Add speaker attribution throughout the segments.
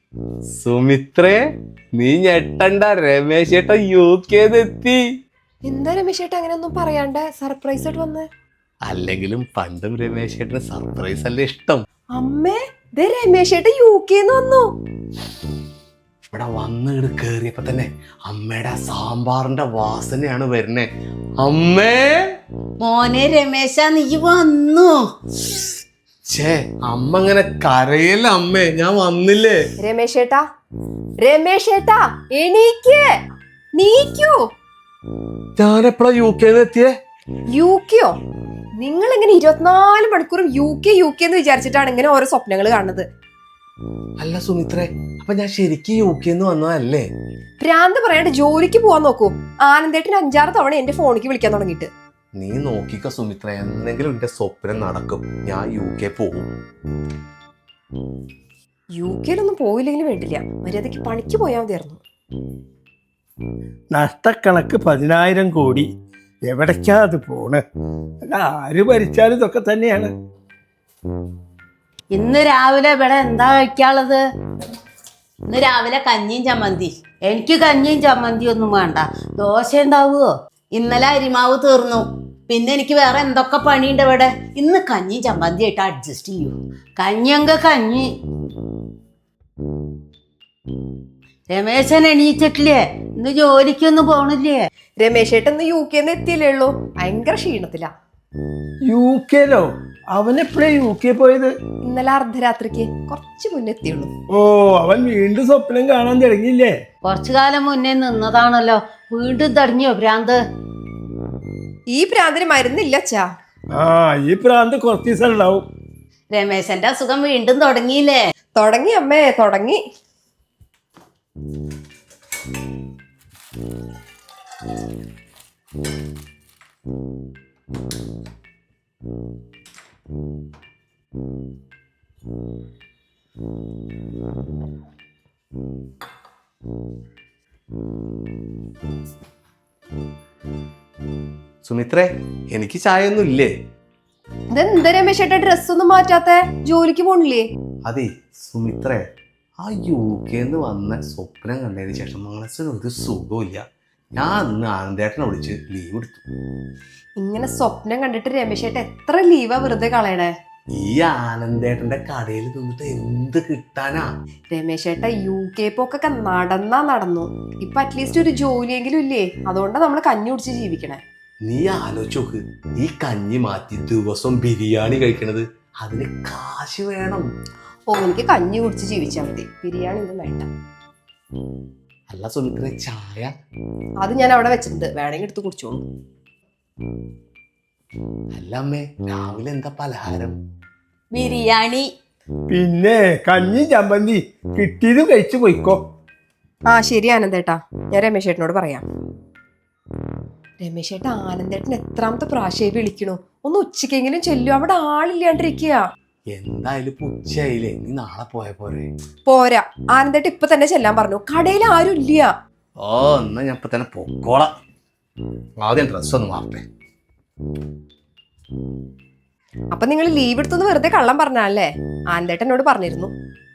Speaker 1: സുമിത്രേ, നീ ഞെട്ടണ്ട, രമേശ് ചേട്ടൻ UK-ന്ന്.
Speaker 2: എന്താ രമേശ് ചേട്ടാ അങ്ങനെയൊന്നും പറയാണ്ട് സർപ്രൈസ് ആയിട്ട് വന്ന്?
Speaker 1: അല്ലെങ്കിലും പണ്ടും രമേശ് ചേട്ടന് സർപ്രൈസ് അല്ലേ ഇഷ്ടം.
Speaker 2: അമ്മേ, രമേശ് ചേട്ടൻ UK-ന്ന് വന്നു.
Speaker 1: ഇവിടെ വന്ന് കേറിയപ്പോ തന്നെ അമ്മയുടെ സാമ്പാറിന്റെ വാസനയാണ് വരുന്നേ. അമ്മേ,
Speaker 3: മോനെ രമേശ, നീ വന്നു.
Speaker 1: ഛേ, അമ്മ അങ്ങനെ കരയല്ല അമ്മേ, ഞാൻ വന്നില്ലേ.
Speaker 2: രമേശ് ചേട്ടാ, രമേശ് ചേട്ടാ എണീക്ക്, നീക്കൂ.
Speaker 1: ഞാനെപ്പോഴാ UK-ന്ന് എത്തിയേ?
Speaker 2: UK-യോ? നിങ്ങൾ ഇങ്ങനെ 24 മണിക്കൂറും UK എന്ന് വിചാരിച്ചിട്ടാണ് ഇങ്ങനെ ഓരോ സ്വപ്നങ്ങൾ കാണുന്നത്.
Speaker 1: അല്ല സുമിത്രേ, അപ്പൊ ഞാൻ ശരിക്കും UK-ന്ന് വന്നതല്ലേ?
Speaker 2: ഭ്രാന്ത് പറയാണ്ട് ജോലിക്ക് പോവാൻ നോക്കൂ. ആനന്ദേട്ടന് 5-6 തവണ എന്റെ ഫോണിക്ക് വിളിക്കാൻ തുടങ്ങിയിട്ട്.
Speaker 1: നീ നോക്കിക്കോ സുമിത്ര, എന്തെങ്കിലും എന്റെ സ്വപ്നം നടക്കും. ഞാൻ UK പോകും.
Speaker 2: UK-ലൊന്നും പോയില്ലെങ്കിലും വേണ്ടില്ല, മര്യാദക്ക് പണിക്ക് പോയാൽ മതിയായിരുന്നു.
Speaker 4: നഷ്ടക്കണക്ക് 10,000 കോടി. എവിടേക്കാ അത് പോണ്? അല്ല, ആര് ഭരിച്ചാലും ഇതൊക്കെ തന്നെയാണ്.
Speaker 3: ഇന്ന് രാവിലെ ഇവിടെ എന്താ കഴിക്കാനുള്ളത്? ഇന്ന് രാവിലെ കഞ്ഞിയും ചമ്മന്തി. എനിക്ക് കഞ്ഞിയും ചമ്മന്തി ഒന്നും വേണ്ട, ദോശ ഉണ്ടാവുമോ? ഇന്നലെ അരിമാവ് തീർന്നു, പിന്നെ എനിക്ക് വേറെ എന്തൊക്കെ പണിയുണ്ട് ഇവിടെ. ഇന്ന് കഞ്ഞിയും ചമ്മന്തി ആയിട്ട് അഡ്ജസ്റ്റ് ചെയ്യൂ. കഞ്ഞിയെങ്ക കഞ്ഞി. രമേശൻ എണീച്ചിട്ടില്ലേ? ഇന്ന് ജോലിക്കൊന്നും പോണില്ലേ?
Speaker 2: രമേശ് ചേട്ടൻ ഇന്ന് UK-ന്ന് എത്തിയില്ലേ ഉള്ളൂ, ഭയങ്കര ക്ഷീണത്തിലാ.
Speaker 4: UK-ലോ? അവനെപ്പോഴേ UK പോയത്?
Speaker 2: ഇന്നലെ അർദ്ധരാത്രിക്ക് കുറച്ച് മുന്നേ എത്തിയുള്ളൂ.
Speaker 4: ഓ, അവൻ വീണ്ടും സ്വപ്നം കാണാൻ തുടങ്ങിയില്ലേ?
Speaker 3: കുറച്ചു കാലം മുന്നേ നിന്നതാണല്ലോ, വീണ്ടും തടഞ്ഞോ ഭ്രാന്ത്?
Speaker 2: ഈ ഭ്രാന്തിന് മരുന്നില്ല അച്ഛാ.
Speaker 4: ആ, ഈ പ്രാന്ത് കുറച്ച് ദിവസം ഉണ്ടാവും.
Speaker 3: രമേശന്റെ അസുഖം വീണ്ടും തുടങ്ങിയില്ലേ?
Speaker 2: തുടങ്ങി അമ്മേ, തുടങ്ങി.
Speaker 1: സുമിത്രേ, എനിക്ക് ചായ ഒന്നും ഇല്ലേ?
Speaker 2: ഇതെന്താ രമേശ് ചേട്ടാ ഡ്രസ്സൊന്നും മാറ്റാത്ത? ജോലിക്ക് പോണില്ലേ?
Speaker 1: അതെ സുമിത്രേ, ആ UK-ന്ന് വന്ന സ്വപ്നം കണ്ടതിന് ശേഷം മനസ്സിന് ഒരു സുഖമില്ല. ഞാൻ ഇന്ന് ആനന്ദേട്ടനെ വിളിച്ച് ലീവ് എടുത്തു.
Speaker 2: ഇങ്ങനെ സ്വപ്നം കണ്ടിട്ട് രമേശ് ചേട്ടൻ എത്ര ലീവാ വെറുതെ കളയണേ?
Speaker 1: ഈ ആനന്ദേട്ടന്റെ കടയിൽ നിന്നിട്ട് എന്ത് കിട്ടാനാ?
Speaker 2: രമേശ് ചേട്ടാ UK പോക്കൊക്കെ നടന്നു. ഇപ്പൊ അറ്റ്ലീസ്റ്റ് ഒരു ജോലിയെങ്കിലും ഇല്ലേ? അതുകൊണ്ടാ നമ്മള് കഞ്ഞി കുടിച്ച് ജീവിക്കണേ.
Speaker 1: നീ ആലോചിച്ച് നോക്ക്, ഈ കഞ്ഞി മാറ്റി ദിവസം ബിരിയാണി കഴിക്കണത്, അതിന് കാശ് വേണം.
Speaker 2: ഓ, എനിക്ക് കഞ്ഞി കുടിച്ച് ജീവിച്ചാൽ മതി, ബിരിയാണി ഒന്നും വേണ്ട.
Speaker 1: അല്ല സുമിത്ര, ചായ?
Speaker 2: അത് ഞാൻ അവിടെ വെച്ചിട്ടുണ്ട്, വേണമെങ്കിൽ എടുത്ത് കുടിച്ചോളൂ.
Speaker 1: അല്ല അമ്മേ, രാവിലെ എന്താ പലഹാരം?
Speaker 3: ബിരിയാണി.
Speaker 4: പിന്നെ കഞ്ഞി ചമ്മന്തി കിട്ടിയത് കഴിച്ചു പോയിക്കോ.
Speaker 2: ആ ശരി ആനന്ദേട്ടാ, ഞാൻ രമേശ് ചേട്ടനോട് പറയാം. രമേശ് ചേട്ടാ, ആനന്ദേട്ടൻ എത്രാമത്തെ പ്രാവശ്യമായി വിളിക്കണു? ഒന്ന് ഉച്ചക്കെങ്കിലും ചെല്ലു, അവിടെ ആളില്ലാണ്ടിരിക്കുക.
Speaker 1: എന്തായാലും ഉച്ചയായില്ലേ, നീ നാളെ പോയ പോരെ?
Speaker 2: പോരാ, ആനന്ദേട്ടൻ ഇപ്പൊ തന്നെ ചെല്ലാൻ പറഞ്ഞു, കടയിൽ ആരും ഇല്ല.
Speaker 1: ഓ, എന്നാ ഞാൻ ഇപ്പൊ തന്നെ പൊക്കോളാം. ആദ്യം ഡ്രസ് ഒന്ന് മാറട്ടെ.
Speaker 2: അപ്പൊ നിങ്ങൾ ലീവ് എടുത്തൊന്ന് വെറുതെ കള്ളം പറഞ്ഞല്ലേ? ആനന്ദേട്ടനോട് പറഞ്ഞിരുന്നു.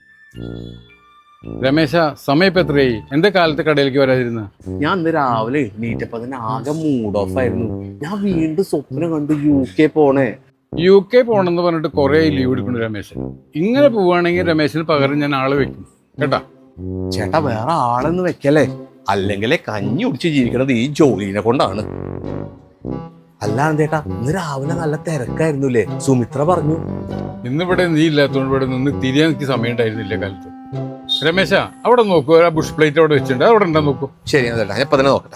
Speaker 5: രമേശ, സമയം ഇപ്പൊ എത്രയായി? എന്താ കാലത്ത് കടയിലേക്ക് വരാതിരുന്ന?
Speaker 1: ഞാൻ ഇന്ന് രാവിലെ എണീറ്റപ്പോ തന്നെ ആകെ മൂഡ് ഓഫ് ആയിരുന്നു. ഞാൻ വീണ്ടും സ്വപ്നം കണ്ടു UK പോണേ.
Speaker 5: UK പോണെന്ന് പറഞ്ഞിട്ട് കുറെ ലീവ് എടുക്കുന്നു രമേശൻ. ഇങ്ങനെ പോവുകയാണെങ്കിൽ രമേശന് പകരം ഞാൻ ആള് വെക്കും കേട്ടാ.
Speaker 1: ചേട്ടാ, വേറെ ആളൊന്നും വെക്കല്ലേ, അല്ലെങ്കിലേ കഞ്ഞി കുടിച്ച് ജീവിക്കണത് ഈ ജോലിനെ കൊണ്ടാണ്. അല്ലാതെ ചേട്ടാ, ഇന്ന് രാവിലെ നല്ല തിരക്കായിരുന്നുല്ലേ? സുമിത്ര പറഞ്ഞു.
Speaker 5: ഇന്നിവിടെ നീ ഇല്ലാത്തതുകൊണ്ട് ഇവിടെ നിന്ന് തിരിയാൻ എനിക്ക് സമയം ഉണ്ടായിരുന്നില്ല കാലത്ത്. രമേശ, അവിടെ നോക്കൂ, ആ ബുഷ് പ്ലേറ്റ് അവിടെ വെച്ചിട്ടുണ്ട്, അവിടെ ഉണ്ടോ നോക്കൂ.
Speaker 1: ശരി ചേട്ടാ, ഞാൻ ഇപ്പൊ തന്നെ നോക്കട്ടെ.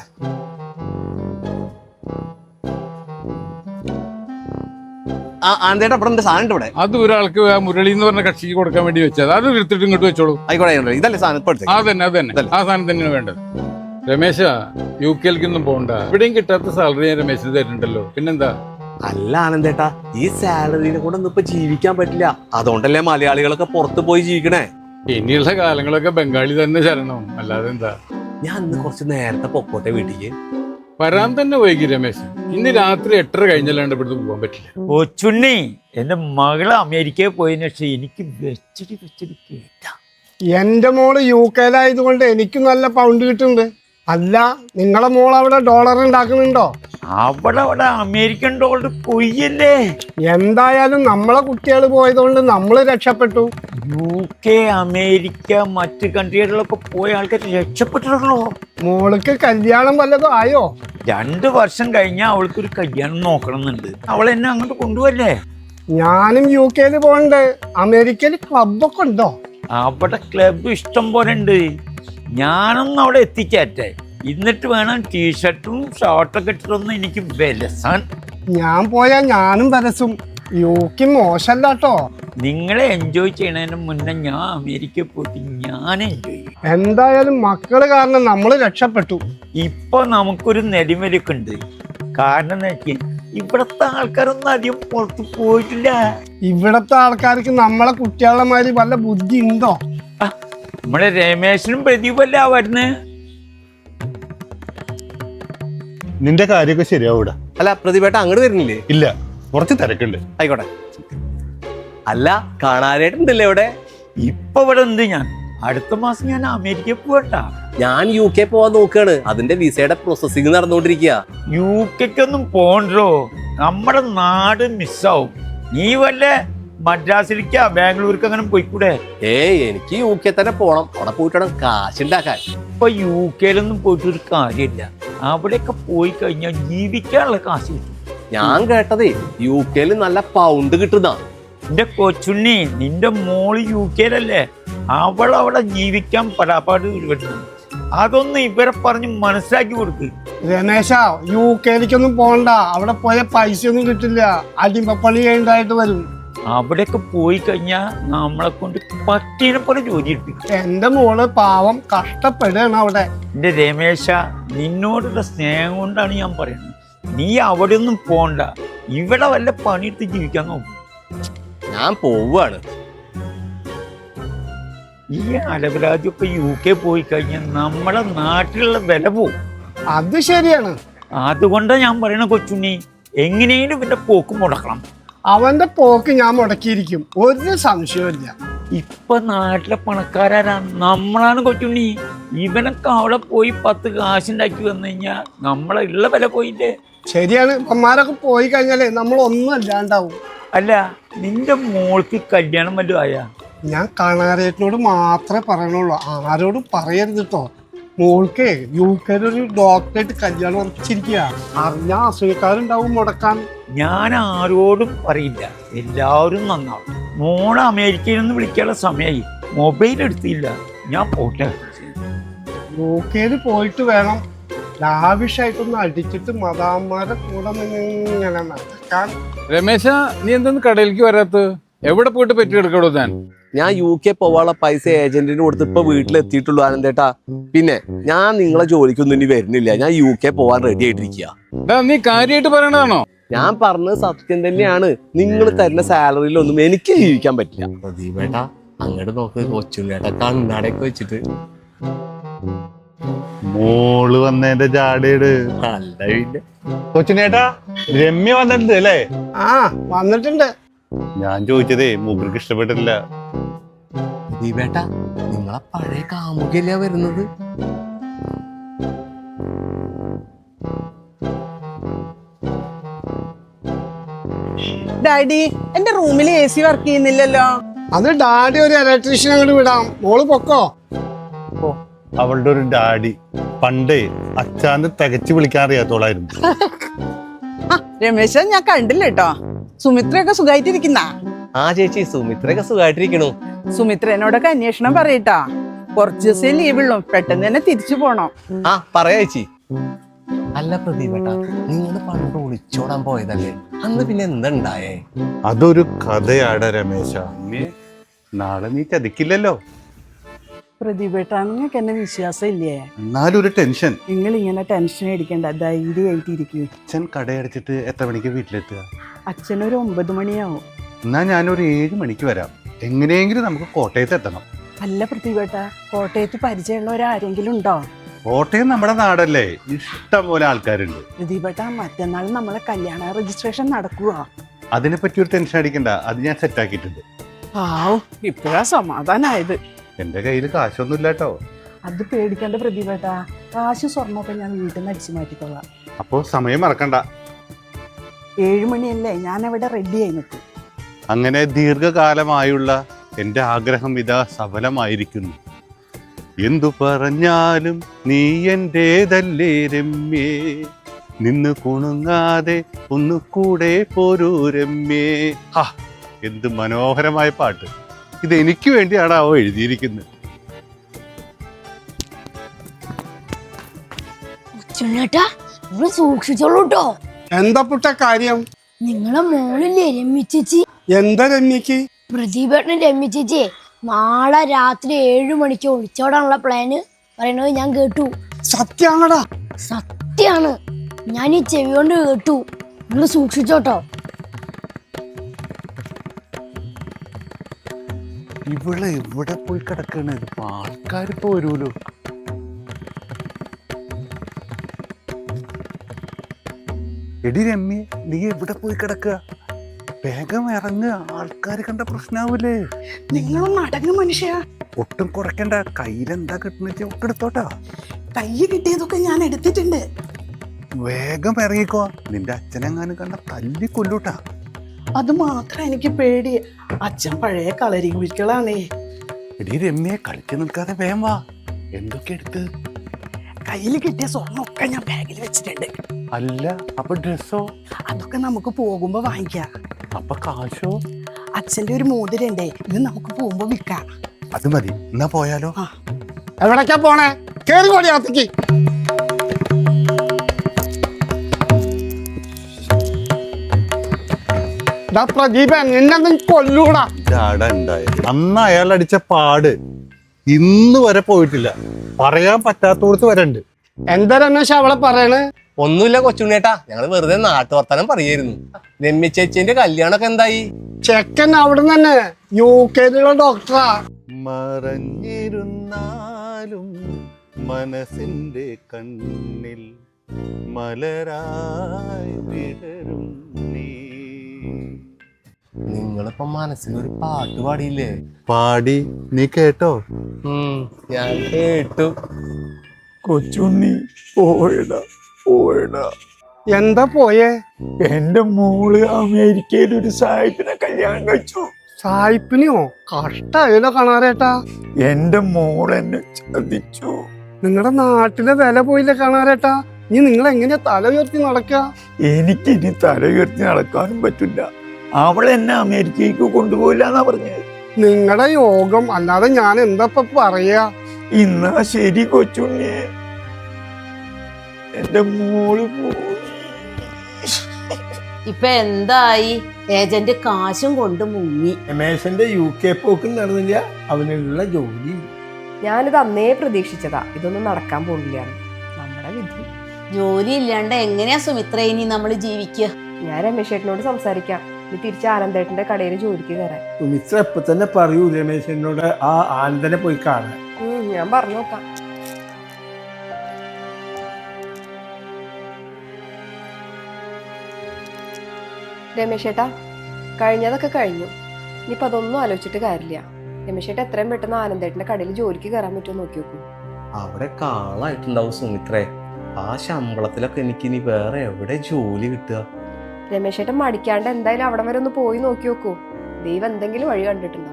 Speaker 1: ആന്തേട്ടാ, അവിടെ സാധനം ഇവിടെ.
Speaker 5: അത് ഒരാൾക്ക് ആ മുരളി എന്ന് പറഞ്ഞ കക്ഷിക്ക് കൊടുക്കാൻ വേണ്ടി വെച്ചത്, അത് എടുത്തിട്ട് ഇങ്ങോട്ട് വെച്ചോളൂ.
Speaker 1: ആയിക്കോട്ടെ, ഇതല്ലേ സാധനം?
Speaker 5: അതന്നെ ആ സാധനം തന്നെയാണ് വേണ്ടത്. രമേശ, UK-ലേക്കൊന്നും പോകണ്ട, ഇവിടെയും കിട്ടാത്ത സാലറി ഞാൻ രമേശിന് തരുന്നുണ്ടല്ലോ, പിന്നെന്താ?
Speaker 1: അല്ല ആനന്ദേട്ടാ, ഈ സാലറിനെ കൂടെ ഒന്നും ഇപ്പൊ ജീവിക്കാൻ പറ്റില്ല. അതുകൊണ്ടല്ലേ മലയാളികളൊക്കെ പുറത്ത് പോയി ജീവിക്കണേ.
Speaker 5: ഇനിയുള്ള കാലങ്ങളൊക്കെ ബംഗാളി തന്നെ ശരണം, അല്ലാതെ എന്താ.
Speaker 1: ഞാൻ ഇന്ന് കുറച്ച് നേരത്തെ പൊക്കോട്ടെ വീട്ടിക്ക്.
Speaker 5: വരാൻ തന്നെ വൈകി രമേശ്. ഇന്ന് രാത്രി 8:30 കഴിഞ്ഞല്ലാണ്ട് ഇവിടുന്ന് പോകാൻ പറ്റില്ല.
Speaker 6: കൊച്ചുണ്ണി, എൻ്റെ മകള് അമേരിക്കയിൽ പോയതിനു ശേഷം എനിക്ക് വെച്ചടി കേട്ട എന്റെ മോള് UK-ലായതുകൊണ്ട് എനിക്ക് നല്ല പൗണ്ട് കിട്ടുന്നുണ്ട്. അല്ല, നിങ്ങളെ മോൾ അവിടെ ഡോളർ ഉണ്ടാക്കുന്നുണ്ടോ?
Speaker 7: അവിടെ അമേരിക്കൻ ഡോളർ കൊയ്യല്ലേ.
Speaker 6: എന്തായാലും നമ്മളെ കുട്ടികൾ പോയതുകൊണ്ട് നമ്മൾ രക്ഷപ്പെട്ടു.
Speaker 7: UK, അമേരിക്ക, മറ്റ് കൺട്രികളിലൊക്കെ പോയ ആൾക്കാർ രക്ഷപ്പെട്ടിട്ടുള്ളൂ.
Speaker 6: മോൾക്ക് കല്യാണം വല്ലതും ആയോ?
Speaker 7: 2 വർഷം കഴിഞ്ഞാൽ അവൾക്കൊരു കല്യാണം നോക്കണമെന്നുണ്ട്. അവൾ എന്നെ അങ്ങോട്ട് കൊണ്ടുപോവല്ലേ.
Speaker 6: ഞാനും UK-ല് പോകണ്ട്. അമേരിക്കയിൽ ക്ലബൊക്കെ ഉണ്ടോ?
Speaker 7: അവിടെ ക്ലബ് ഇഷ്ടം പോലെ ഉണ്ട്. ഞാനൊന്നും അവിടെ എത്തിച്ചേറ്റെ. എന്നിട്ട് വേണം ടീഷർട്ടും ഷർട്ടൊക്കെ ഇട്ടിട്ടൊന്നും എനിക്ക് വിലസാൻ.
Speaker 6: ഞാൻ പോയാൽ ഞാനും വരസും. UK മോശല്ല കേട്ടോ.
Speaker 7: നിങ്ങളെ എൻജോയ് ചെയ്യണതിന് മുന്നേ ഞാൻ അമേരിക്കയിൽ പോയിട്ട് ഞാൻ എൻജോയ് ചെയ്യും.
Speaker 6: എന്തായാലും മക്കള് കാരണം നമ്മൾ രക്ഷപ്പെട്ടു.
Speaker 7: ഇപ്പൊ നമുക്കൊരു നെടിമലൊക്കെ ഉണ്ട്. കാരണം എന്താ വെച്ചാൽ ഇവിടത്തെ ആൾക്കാരൊന്നും അധികം പുറത്ത് പോയിട്ടില്ല.
Speaker 6: ഇവിടത്തെ ആൾക്കാർക്ക് നമ്മളെ കുട്ടികളുടെ മാതിരി വല്ല ബുദ്ധി ഉണ്ടോ?
Speaker 7: നമ്മളെ രമേശനും പ്രദീപല്ല വരുന്നത്.
Speaker 8: നിന്റെ കാര്യമൊക്കെ ശരിയാവൂടാ.
Speaker 1: അല്ല പ്രതിഭേട്ട അങ്ങോട്ട് വരുന്നില്ലേ?
Speaker 8: ഇല്ല, കുറച്ച് തിരക്കുണ്ട്.
Speaker 1: ആയിക്കോട്ടെ. അല്ല കാണാനായിട്ടുണ്ടല്ലേ ഇവിടെ?
Speaker 7: ഇപ്പൊ ഇവിടെ ഉണ്ട്. ഞാൻ അടുത്ത മാസം ഞാൻ അമേരിക്കയിൽ പോകണ്ട.
Speaker 1: ഞാൻ UK പോവാൻ നോക്കുകയാണ്. അതിന്റെ വിസയുടെ പ്രോസസ്സിംഗ് നടന്നുകൊണ്ടിരിക്കുക.
Speaker 7: UK-ക്കൊന്നും പോണ്ടോ, നമ്മുടെ നാട് മിസ്സാവും. നീ വല്ല മദ്രാസിലേക്കാ ബാംഗ്ലൂർക്ക് അങ്ങനെ പോയിക്കൂടെ?
Speaker 1: എനിക്ക് UK തന്നെ പോണം. അവിടെ പോയിട്ട് വേണം കാശുണ്ടാക്കാൻ.
Speaker 7: ഇപ്പൊ UK-ലൊന്നും പോയിട്ട് ഒരു കാര്യമില്ല. അവിടെയൊക്കെ പോയി കഴിഞ്ഞാൽ ജീവിക്കാനുള്ള കാശ് കിട്ടും.
Speaker 1: ഞാൻ കേട്ടതേ UK-ല് നല്ല പൗണ്ട് കിട്ടുന്ന.
Speaker 7: എന്റെ കൊച്ചുണ്ണി, നിന്റെ മോള് UK-ലല്ലേ. അവളവിടെ ജീവിക്കാൻ പടാപ്പാട് വരുന്നു. അതൊന്നും ഇവരെ പറഞ്ഞ് മനസ്സിലാക്കി കൊടുക്ക്.
Speaker 6: രമേശ, UK-ലേക്കൊന്നും പോകണ്ട. അവിടെ പോയ പൈസ ഒന്നും കിട്ടില്ല. അടിമപ്പണി ചെയ്യേണ്ടതായിട്ട് വരും.
Speaker 7: അവിടെയൊക്കെ പോയി കഴിഞ്ഞാൽ നമ്മളെ കൊണ്ട് പട്ടീനെ പോലെ ജോലി എടുപ്പിക്കും.
Speaker 6: എന്റെ മോള് പാവം കഷ്ടപ്പെടുകയാണ് അവിടെ.
Speaker 7: എന്റെ രമേശ, നിന്നോടുള്ള സ്നേഹം കൊണ്ടാണ് ഞാൻ പറയുന്നത്. നീ അവിടെ ഒന്നും പോണ്ട. ഇവിടെ വല്ല പണിയെടുത്ത് ജീവിക്കാൻ നോക്കും.
Speaker 1: ഞാൻ പോവാണ്.
Speaker 7: ഈ അലവരാജൊക്കെ UK പോയി കഴിഞ്ഞാൽ നമ്മളെ നാട്ടിലുള്ള വില പോവും.
Speaker 6: അത് ശരിയാണ്.
Speaker 7: അതുകൊണ്ടാണ് ഞാൻ പറയണ കൊച്ചുണ്ണി, എങ്ങനെയും ഇവന്റെ പോക്ക് മുടക്കണം.
Speaker 6: അവന്റെ പോക്ക് ഞാൻ മുടക്കിയിരിക്കും, ഒരു സംശയമില്ല.
Speaker 7: ഇപ്പൊ നാട്ടിലെ പണക്കാരാണ് നമ്മളാണ് കൊച്ചുണ്ണി. ഇവനൊക്കെ അവിടെ പോയി 10 കാശുണ്ടാക്കി വന്നു കഴിഞ്ഞാൽ നമ്മളെ ഉള്ള വില പോയില്ലേ.
Speaker 6: ശരിയാണ്. അമ്മമാരൊക്കെ പോയി കഴിഞ്ഞാലേ നമ്മൾ ഒന്നും അല്ലാണ്ടാവും.
Speaker 7: അല്ല, നിന്റെ മോൾക്ക് കല്യാണം വല്ലതും ആയാ?
Speaker 6: ഞാൻ കാണാരേട്ടനോട് മാത്രമേ പറയണുള്ളൂ, ആരോടും പറയരുത് കേട്ടോ. മോൾക്ക് UK-ലൊരു ഡോക്ടറായിട്ട് കല്യാണം ഉറപ്പിച്ചിരിക്കുക. അറിഞ്ഞ അസൂയക്കാരുണ്ടാവും മുടക്കാൻ.
Speaker 7: ഞാൻ ആരോടും പറയില്ല, എല്ലാവരും നന്നാവും. മോളെ അമേരിക്കയിൽ നിന്ന് വിളിക്കാനുള്ള സമയമായി. മൊബൈൽ എടുത്തില്ല. ഞാൻ പോട്ടെ.
Speaker 6: UK-ല് പോയിട്ട് വേണം ലാവിഷായിട്ടൊന്ന് അടിച്ചിട്ട് മദാമ്മമാരെ കൂടെ ഇങ്ങനെ നടക്കാൻ.
Speaker 5: രമേശ, നീ എന്തൊന്നും കടയിലേക്ക് വരാത്ത? എവിടെ പോയിട്ട് പറ്റി എടുക്കടോ?
Speaker 1: ഞാൻ UK പോവാനുള്ള പൈസ ഏജന്റിന് കൊടുത്ത് ഇപ്പൊ വീട്ടിലെത്തിയിട്ടുള്ളൂ ആനന്ദേട്ടാ. പിന്നെ ഞാൻ നിങ്ങളെ ജോലിക്കൊന്നും ഇനി വരുന്നില്ല. ഞാൻ UK പോവാൻ റെഡി ആയിട്ടിരിക്കുക.
Speaker 5: നീ കാര്യമായിട്ട് പറയണതാണോ?
Speaker 1: ഞാൻ പറഞ്ഞത് സത്യം തന്നെയാണ്. നിങ്ങൾ തരുന്ന സാലറിയിലൊന്നും എനിക്ക് ജീവിക്കാൻ പറ്റില്ല. പ്രദീപേട്ടാ അങ്ങോട്ട് നോക്ക്. കൊച്ചുണ്ണേട്ടാ കണ്ണാടൊക്കെ വെച്ചിട്ട്.
Speaker 8: മോള് വന്നതിന്റെ ജാടേട്.
Speaker 1: അല്ല പിന്നെ
Speaker 8: കൊച്ചിനേട്ടാ, രമ്യ വന്നിട്ടുണ്ട് അല്ലേ?
Speaker 6: ആ, വന്നിട്ടുണ്ട്.
Speaker 8: ഞാൻ ചോദിച്ചതേ മൂപ്പർക്ക് ഇഷ്ടപ്പെട്ടില്ല.
Speaker 1: പ്രദീപേട്ടാ നിങ്ങളെ പഴയ കാമുകല്ല വരുന്നത്.
Speaker 9: ഡാഡി, എന്റെ റൂമിൽ AC വർക്ക് ചെയ്യുന്നില്ലല്ലോ.
Speaker 6: അത് ഡാഡി ഒരു ഇലക്ട്രീഷ്യൻ അങ്ങോട്ട് വിടാം. മോള് പൊക്കോ.
Speaker 8: അവളുടെ ഒരു ഡാഡി പണ്ടേ അച്ഛാന്ന് തികച്ചു വിളിക്കാൻ അറിയാത്തോളായിരുന്നു.
Speaker 9: രമേശ, ഞാൻ കണ്ടില്ല കേട്ടോ. സുമിത്രയൊക്കെ സുഖമായിട്ടിരിക്കുന്ന?
Speaker 1: ആ ചേച്ചി, സുമിത്രയൊക്കെ സുഖമായിട്ടിരിക്കണു.
Speaker 9: സുമിത്രനോടൊക്കെ അന്വേഷണം പറയട്ടാ. കുറച്ച് ദിവസം ലീവുള്ളൂ, പെട്ടെന്ന് തന്നെ തിരിച്ചു പോണം.
Speaker 1: ആ പറയാ ചേച്ചി. അല്ല പ്രദീപേട്ടാ, നിങ്ങൾ പണ്ട് ഒളിച്ചോടാൻ പോയതല്ലേ, അന്ന് പിന്നെ എന്തുണ്ടായേ?
Speaker 8: അതൊരു കഥയാടാ രമേശ. നാളെ നീ ചതിക്കില്ലല്ലോ.
Speaker 9: പ്രതിഭേട്ടാ, നിങ്ങൾക്ക് എന്നെ വിശ്വാസം ഇല്ലേ?
Speaker 8: എന്നാലും ഒരു ടെൻഷൻ.
Speaker 9: നിങ്ങൾ ഇങ്ങനെ ടെൻഷൻ അടിക്കണ്ട, ധൈര്യമായിട്ടിരിക്കും.
Speaker 8: അച്ഛൻ കടയടച്ചിട്ട് എത്ര മണിക്ക് വീട്ടിലെത്തുക?
Speaker 9: അച്ഛനൊരു 9 മണിയാവും.
Speaker 8: എന്നാ ഞാനൊരു 7 മണിക്ക് വരാം. എങ്ങനെയെങ്കിലും നമുക്ക് കോട്ടയത്ത് എത്തണം.
Speaker 9: അല്ല പ്രതിഭേട്ടാ, കോട്ടയത്ത് പരിചയമുള്ളവരാരെങ്കിലും ഉണ്ടോ?
Speaker 8: കോട്ടയം നമ്മുടെ നാടല്ലേ, ഇഷ്ടം പോലെ ആൾക്കാരുണ്ട്.
Speaker 9: പ്രതിഭേട്ടാ, മറ്റന്നാൾ നമ്മളെ കല്യാണ രജിസ്ട്രേഷൻ നടക്കുക.
Speaker 8: അതിനെപ്പറ്റി ഒരു ടെൻഷൻ അടിക്കണ്ട, അത് ഞാൻ സെറ്റാക്കിയിട്ടുണ്ട്.
Speaker 9: ആവും, ഇപ്പോഴാ സമാധാനായത്.
Speaker 8: എൻ്റെ കയ്യിൽ കാശൊന്നുമില്ല കേട്ടോ.
Speaker 9: അത് പേടിക്കേണ്ട പ്രതിഭേട്ടാ, കാശ് സ്വർണ്ണമൊക്കെ ഞാൻ വീട്ടിൽ നിന്ന് അടിച്ചു മാറ്റിക്കൊള്ളാം.
Speaker 8: അപ്പോൾ സമയം മറക്കണ്ട.
Speaker 9: 7 മണിയല്ലേ, ഞാൻ അവിടെ റെഡിയായി നിൽക്കും.
Speaker 8: അങ്ങനെ ദീർഘകാലമായുള്ള എൻ്റെ ആഗ്രഹം ഇതാ സഫലമായിരിക്കുന്നു. എന്തു പറഞ്ഞാലും നീ എൻ്റേതല്ലേ രമ്യേ, നിന്ന് കുണുങ്ങാതെ ഒന്നുകൂടെ പോരൂ രമ്യേ. ഹാ, എന്ത് മനോഹരമായ പാട്ട്! ഇത് എനിക്ക് വേണ്ടിയാണ് അവ എഴുതിയിരിക്കുന്നത്.
Speaker 10: സൂക്ഷിച്ചോളൂട്ടോ.
Speaker 6: എന്താ പുട്ട കാര്യം?
Speaker 10: നിങ്ങളെ മോളില്ലേ രമ്യ ചേച്ചി?
Speaker 6: എന്താ രമ്യക്ക്?
Speaker 10: പ്രതിഭേട്ടൻ രമ്യ ചേച്ചി നാളെ രാത്രി 7 മണിക്ക് ഒളിച്ചോടാനുള്ള പ്ലാന് പറയണത് ഞാൻ കേട്ടു.
Speaker 6: സത്യാണടാ?
Speaker 10: സത്യാണ്, ഞാൻ ഈ ചെവി കൊണ്ട് കേട്ടു. നിങ്ങൾ സൂക്ഷിച്ചോട്ടോ.
Speaker 8: ഇവള് ഇവിടെ പോയി കിടക്കണ, ആൾക്കാർ പോരൂലോ. എടി രമ്യ, നീ എവിടെ പോയി കിടക്കുക? വേഗം ഇറങ്ങുക, ആൾക്കാർ കണ്ട പ്രശ്നാവൂലേ.
Speaker 9: നിങ്ങളൊന്ന് അടങ്ങും മനുഷ്യ.
Speaker 8: ഒട്ടും കുറയ്ക്കണ്ട, കയ്യിലെന്താ കിട്ടുന്ന വെച്ചാൽ ഒക്കെ എടുത്തോട്ടാ.
Speaker 9: കയ്യ് കിട്ടിയതൊക്കെ ഞാൻ എടുത്തിട്ടുണ്ട്.
Speaker 8: വേഗം ഇറങ്ങിക്കോ, നിന്റെ അച്ഛനെങ്ങാനും കണ്ട തല്ലി കൊല്ലൂട്ടാ.
Speaker 9: അത് മാത്രം എനിക്ക് പേടി, അച്ഛൻ പഴയ കളരി കുഴികളാണേ.
Speaker 8: എടി രമ്യ, കളിച്ചു നിൽക്കാതെ വേഗം വാ. എന്തൊക്കെ എടുത്ത്?
Speaker 9: കയ്യിൽ കിട്ടിയ സ്വർണ്ണമൊക്കെ ഞാൻ ബാഗിൽ വെച്ചിട്ടുണ്ട്.
Speaker 8: അല്ല, അപ്പൊ ഡ്രസ്സോ?
Speaker 9: അതൊക്കെ നമുക്ക് പോകുമ്പോ വാങ്ങിക്കാം.
Speaker 8: അപ്പൊ കാശോ?
Speaker 9: അച്ഛന്റെ ഒരു മോതിരണ്ടേ, ഇത് നമുക്ക് പോകുമ്പോ വിൽക്കാം.
Speaker 8: അത് മതി, എന്നാ പോയാലോ?
Speaker 6: എവിടേക്കാ പോണേ? കേറി കൂടി അകത്തേക്ക്. പ്രദീപ, നിന്നെ കൊല്ലൂടാ.
Speaker 8: അന്ന് അയാൾ അടിച്ച പാട് ഇന്ന് വരെ പോയിട്ടില്ല. പറയാൻ പറ്റാത്തോടത്ത് വരണ്ട്.
Speaker 6: എന്താ രമേശ് അവളെ പറയണ്?
Speaker 1: ഒന്നുമില്ല കൊച്ചുണ്ണേട്ടാ, ഞങ്ങള് വെറുതെ നാട്ടുവർത്താനം പറയായിരുന്നു. രമ്യ ചേച്ചിന്റെ കല്യാണമൊക്കെ എന്തായി?
Speaker 6: ചെക്കൻ അവിടെ തന്നെ UK ഡോക്ടറാ.
Speaker 8: മറഞ്ഞിരുന്നാലും മനസ്സിന്റെ കണ്ണിൽ മലരായി വിടരും നീ.
Speaker 1: നിങ്ങളിപ്പോ മനസ്സിലൊരു പാട്ട് പാടിയില്ലേ?
Speaker 8: പാടി, നീ കേട്ടോ?
Speaker 1: ഞാൻ കേട്ടു.
Speaker 7: കൊച്ചുണ്ണി പോയടാ പോയടാ.
Speaker 6: എന്താ പോയേ?
Speaker 7: എന്റെ മോള് അമേരിക്കയിൽ ഒരു സായിപ്പിനെ കല്യാണം കഴിച്ചു.
Speaker 6: സായിപ്പിനെയോ? കഷ്ടായല്ലോ കാണാറേട്ടാ.
Speaker 7: എന്റെ മോൾ എന്നെ ചതിച്ചു.
Speaker 6: നിങ്ങളുടെ നാട്ടിലെ വില പോയില്ലേ കാണാറേട്ടാ. ഇനി നിങ്ങൾ എങ്ങനെയാ തല ഉയർത്തി നടക്കുക?
Speaker 7: എനിക്കിനി തല ഉയർത്തി നടക്കാനും പറ്റില്ല. അവൾ എന്നെ അമേരിക്കയ്ക്ക് കൊണ്ടുപോയില്ല എന്നാ പറഞ്ഞത്.
Speaker 6: നിങ്ങളുടെ യോഗം, അല്ലാതെ ഞാൻ എന്താ പറയാ.
Speaker 7: ഇന്നാ ശരി കൊച്ചുണ്ണി, എന്റെ മോള് പോയി.
Speaker 3: ഇപ്പൊ എന്തായി? ഏജന്റ് കാശും കൊണ്ട് മുങ്ങി.
Speaker 4: രമേശന്റെ UK പോക്കും നടന്നില്ല, അവനുള്ള ജോലി.
Speaker 2: ഞാനിത് അന്നേ പ്രതീക്ഷിച്ചതാ, ഇതൊന്നും നടക്കാൻ പോകില്ല. നമ്മുടെ വിധി.
Speaker 3: ജോലി ഇല്ലാണ്ട് എങ്ങനെയാ സുമിത്ര ഇനി നമ്മൾ ജീവിക്കുക?
Speaker 2: ഞാൻ രമേശേട്ടനോട് സംസാരിക്കാം, ഇനി തിരിച്ച് ആനന്ദേട്ടന്റെ കടയിൽ ജോലിക്ക് കയറാൻ.
Speaker 4: സുമിത്ര ഇപ്പൊ തന്നെ പറയൂ രമേശനോട് ആ ആനന്ദനെ പോയി കാണാൻ.
Speaker 2: ഞാൻ പറഞ്ഞു നോക്കാം. രമേശേട്ടാ, കഴിഞ്ഞതൊക്കെ കഴിഞ്ഞു. ഇനിയിപ്പോ അതൊന്നും ആലോചിച്ചിട്ട് കാര്യമില്ല. രമേശേട്ട എത്രയും പെട്ടെന്ന് ആനന്ദേട്ടന്റെ കടയിൽ ജോലിക്ക് കയറാൻ പറ്റുമോ നോക്കി നോക്കൂ.
Speaker 1: അവിടെ കാളായിട്ടുണ്ടാവും സുമിത്രേ. ആ ശമ്പളത്തിലൊക്കെ എനിക്ക് ഇനി വേറെ എവിടെ ജോലി കിട്ടുക?
Speaker 2: രമേശേട്ടൻ മടിക്കാണ്ട് എന്തായാലും അവിടെ വരെ ഒന്ന് പോയി നോക്കി നോക്കൂ. ദൈവം എന്തെങ്കിലും വഴി കണ്ടിട്ടുണ്ടാവും.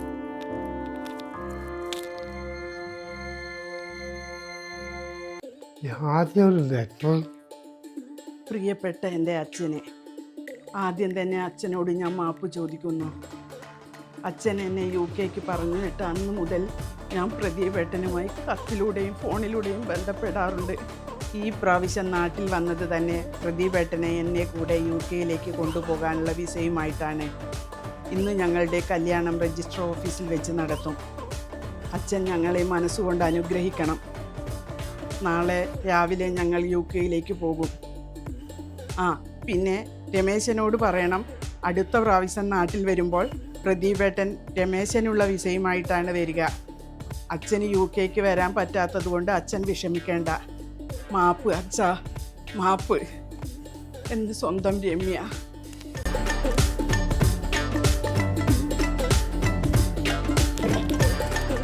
Speaker 6: ആദ്യം ഒരു ലെറ്റർ.
Speaker 9: പ്രിയപ്പെട്ട എൻ്റെ അച്ഛനെ, ആദ്യം തന്നെ അച്ഛനോട് ഞാൻ മാപ്പ് ചോദിക്കുന്നു. അച്ഛൻ എന്നെ UK പറഞ്ഞു വിട്ട അന്ന് മുതൽ ഞാൻ പ്രതിഭേട്ടനുമായി കത്തിലൂടെയും ഫോണിലൂടെയും ബന്ധപ്പെടാറുണ്ട്. ഈ പ്രാവശ്യം നാട്ടിൽ വന്നത് തന്നെ പ്രതിഭേട്ടനെ എന്നെ കൂടെ UK കൊണ്ടുപോകാനുള്ള വിസയുമായിട്ടാണ്. ഇന്ന് ഞങ്ങളുടെ കല്യാണം രജിസ്റ്റർ ഓഫീസിൽ വെച്ച് നടത്തും. അച്ഛൻ ഞങ്ങളെ മനസ്സുകൊണ്ട് അനുഗ്രഹിക്കണം. നാളെ രാവിലെ ഞങ്ങൾ UK പോകും. പിന്നെ രമേശനോട് പറയണം, അടുത്ത പ്രാവശ്യം നാട്ടിൽ വരുമ്പോൾ പ്രദീപേട്ടൻ രമേശനുള്ള വിസയുമായിട്ടാണ് വരിക. അച്ഛന് UK വരാൻ പറ്റാത്തത് കൊണ്ട് അച്ഛൻ വിഷമിക്കേണ്ട. മാപ്പ് അച്ഛാ, മാപ്പ്. എൻ്റെ സ്വന്തം രമ്യ.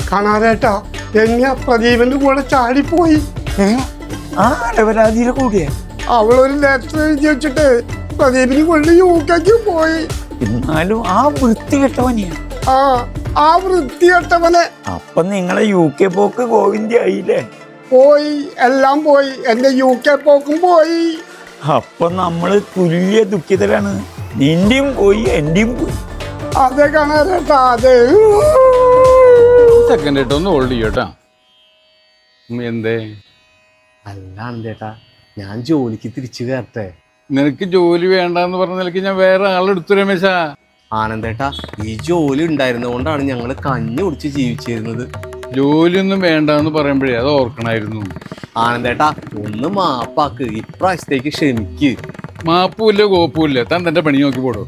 Speaker 6: കാണാറേട്ടാ രമ്യ പ്രദീപന്റെ കൂടെ ചാടിപ്പോയി.
Speaker 7: ആ അലവരാതിയുടെ കൂടിയാ.
Speaker 6: അവളൊരു ലെറ്റർ എഴുതി വെച്ചിട്ട് പ്രദീപിന് കൊണ്ട് യുകെക്ക് പോയി.
Speaker 7: എന്നാലും ആ വൃത്തി കെട്ടവനെയാ.
Speaker 6: ആ വൃത്തികെട്ടവനെ.
Speaker 7: അപ്പൊ നിങ്ങളെ UK പോക്ക് ഗോവിന്ദായില്ലേ?
Speaker 6: പോയി, എല്ലാം പോയി. എന്റെ UK പോക്കും പോയി.
Speaker 7: അപ്പൊ നമ്മള് തുല്യ ദുഃഖിതരാണ്. നിന്റെയും പോയി, എന്റെയും പോയി.
Speaker 6: അതെ കാണാറേട്ടാ, അതെ.
Speaker 5: സെക്കൻഡ് ആയിട്ട് ഒന്ന് ഹോൾഡ് ചെയ്യോട്ടാ. എന്തേ?
Speaker 1: അല്ല ആനന്ദേട്ടാ, ഞാൻ ജോലിക്ക് തിരിച്ചു കയറട്ടെ?
Speaker 5: നിനക്ക് ജോലി വേണ്ടെന്ന് പറഞ്ഞ നിലയ്ക്ക് ഞാൻ വേറെ ആളെടുത്തു രമേശാ.
Speaker 1: ആനന്ദേട്ടാ, ഈ ജോലി ഉണ്ടായിരുന്നതുകൊണ്ടാണ് ഞങ്ങൾ കഞ്ഞി കുടിച്ച് ജീവിച്ചിരുന്നത്.
Speaker 5: ജോലിയൊന്നും വേണ്ടെന്ന് പറയുമ്പോഴേ അത് ഓർക്കണായിരുന്നു.
Speaker 1: ആനന്ദേട്ടാ, ഒന്ന് മാപ്പാക്ക്, ഇപ്രാവശ്യത്തേക്ക് ക്ഷമിക്ക്.
Speaker 5: മാപ്പുമില്ല കോപ്പുമില്ല, താൻ തന്റെ പണി നോക്കി പോടോ.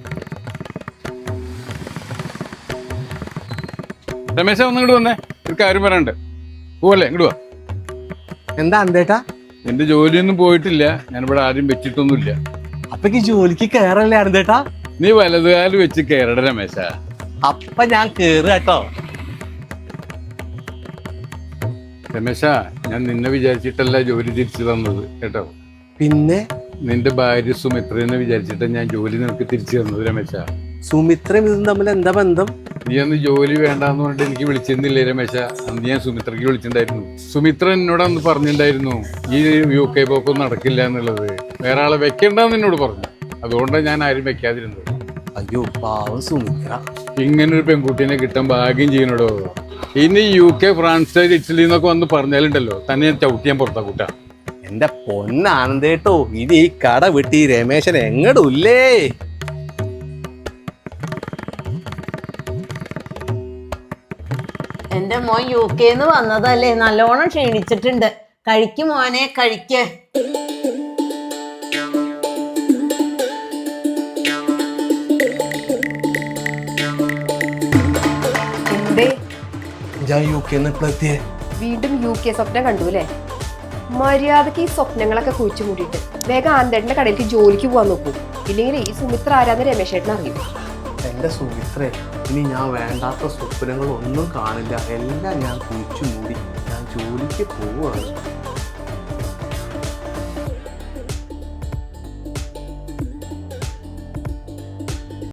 Speaker 5: രമേശ ഒന്ന് ഇങ്ങോട്ട് വന്നേ, ഒരു കാര്യം പറയണ്ട്. പോവല്ലേ, ഇങ്ങോട്ട് വാ.
Speaker 1: എന്താ ആനന്ദേട്ടാ?
Speaker 5: എന്റെ ജോലിയൊന്നും പോയിട്ടില്ല, ഞാനിവിടെ ആരും വെച്ചിട്ടൊന്നുമില്ല.
Speaker 1: അപ്പക്ക് ജോലിക്ക് കയറല്ലേ ആനന്ദേട്ടാ?
Speaker 5: നീ വലതുകാല് വെച്ച് കയറട രമേശ.
Speaker 1: അപ്പൊ ഞാൻ കേറുക കേട്ടോ.
Speaker 5: രമേശ, ഞാൻ നിന്നെ വിചാരിച്ചിട്ടല്ല ജോലി തിരിച്ചു തന്നത് കേട്ടോ.
Speaker 1: പിന്നെ
Speaker 5: നിന്റെ ഭാര്യ സുമിത്രനെ വിചാരിച്ചിട്ട് ഞാൻ ജോലി നിനക്ക് തിരിച്ചു തന്നത് രമേശ.
Speaker 1: സുമിത്രയും ഇതും തമ്മിൽ എന്താ ബന്ധം?
Speaker 5: നീ അന്ന് ജോലി വേണ്ടാന്ന് പറഞ്ഞിട്ട് എനിക്ക് വിളിച്ചിരുന്നില്ലേ രമേശ? അന്ന് ഞാൻ സുമിത്രയ്ക്ക് വിളിച്ചിട്ടുണ്ടായിരുന്നു. സുമിത്ര എന്നോട് അന്ന് പറഞ്ഞിട്ടുണ്ടായിരുന്നു ഈ UK പോക്കൊന്നും നടക്കില്ല എന്നുള്ളത്. വേറെ ആളെ വെക്കണ്ടെന്ന് എന്നോട് പറഞ്ഞു. അതുകൊണ്ടാണ് ഞാൻ ആരും വെക്കാതിരുന്നത്.
Speaker 1: അയ്യോ പാവം സുമിത്ര.
Speaker 5: ഇങ്ങനൊരു പെൺകുട്ടീനെ കിട്ടാൻ ഭാഗ്യം ചെയ്യണോടോ. ഇനി UK, ഫ്രാൻസ്, ഇറ്റലി എന്നൊക്കെ വന്ന് പറഞ്ഞാലുണ്ടല്ലോ തന്നെ ഞാൻ ചവിട്ടിയാൻ പുറത്താ കൂട്ടാ.
Speaker 1: എന്റെ പൊന്നാനന്ദേട്ടോ, ഇനി ഈ കട വിട്ടി രമേശൻ എങ്ങടില്ലേ?
Speaker 3: എന്റെ മോൻ UK വന്നതല്ലേ, നല്ലോണം ക്ഷീണിച്ചിട്ടുണ്ട്. കഴിക്ക് മോനെ, കഴിക്ക്.
Speaker 2: എന്തേ
Speaker 1: ഞാൻ UK എത്തിയേ?
Speaker 2: വീണ്ടും UK സ്വപ്നം കണ്ടു അല്ലേ? മര്യാദക്ക് ഈ സ്വപ്നങ്ങളൊക്കെ കുഴിച്ചു മൂടിയിട്ട് വേഗം ആനന്ദേട്ടന്റെ കടയിലേക്ക് ജോലിക്ക് പോകാൻ നോക്കൂ. ഇല്ലെങ്കിൽ ഈ സുമിത്ര ആരാന്ന് രമേശേട്ടൻ അറിയും.
Speaker 1: എന്റെ സുമിത്രേ, ഇനി ഞാൻ വേണ്ടാത്ത സ്വപ്നങ്ങളൊന്നും കാണില്ല. എല്ലാം ഞാൻ കുഴിച്ചു മൂടി ഞാൻ ജോലിക്ക് പോവുകയാണ്.